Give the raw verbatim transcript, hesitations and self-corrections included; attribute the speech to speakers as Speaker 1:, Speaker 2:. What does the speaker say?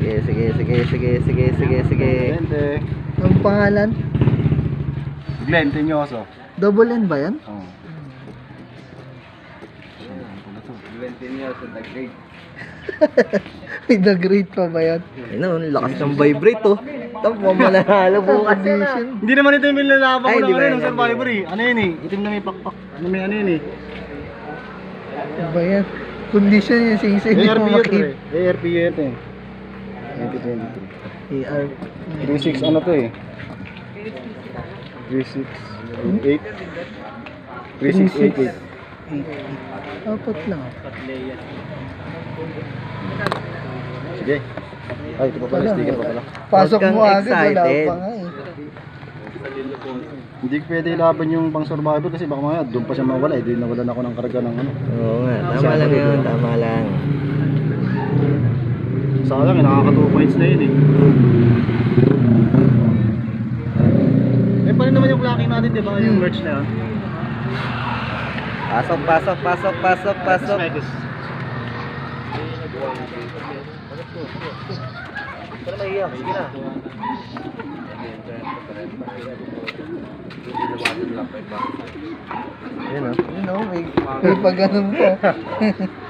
Speaker 1: Sige, sige, sige, sige, sige, sige, sige.
Speaker 2: Glente.
Speaker 3: Ang pangalan?
Speaker 2: Glenn Tinyoso.
Speaker 3: Double N ba yan?
Speaker 2: Oo.
Speaker 3: May nag-rate pa ba yan?
Speaker 1: Ayun, ang lakas ng vibrate oh. Tapos mamalahalo bukas yan ah.
Speaker 2: Hindi naman ito yung nilalaban
Speaker 1: Ay,
Speaker 2: ko
Speaker 1: di
Speaker 2: lang
Speaker 1: ba
Speaker 2: rin
Speaker 1: yan?
Speaker 2: ng Survivor eh. Ano yun eh? Itim na may pakpak. Ano may ano yun eh?
Speaker 3: Ano ba yan? Condition yung sing-sing.
Speaker 2: A R P yun eh. A R P yun eh. twenty twenty-three.
Speaker 3: A R
Speaker 2: three six ano to eh? three six eight three six eight eight.
Speaker 3: Apat lang.
Speaker 2: Sige. Ay, ito pa pala, sticker pa pala.
Speaker 3: Pasok
Speaker 1: Huwag
Speaker 3: mo
Speaker 1: kang
Speaker 3: agad, wala
Speaker 1: excited.
Speaker 3: pa nga eh.
Speaker 2: Hindi pwede ilaban yung pang survivor kasi baka mamaya doon pa siya mawala eh. Di nawalan ako ng karga ng ano.
Speaker 1: Oo nga, tama lang yun, tama lang.
Speaker 2: Sayang eh, nakaka two points na yun eh. Eh, paano naman yung blocking natin, di ba? Yung merch na yun.
Speaker 1: Pasok, pasok, pasok, pasok, pasok.
Speaker 2: Pero naiiyak, sige na.
Speaker 1: Ayun oh.
Speaker 3: You know, may, may pag-ganun po.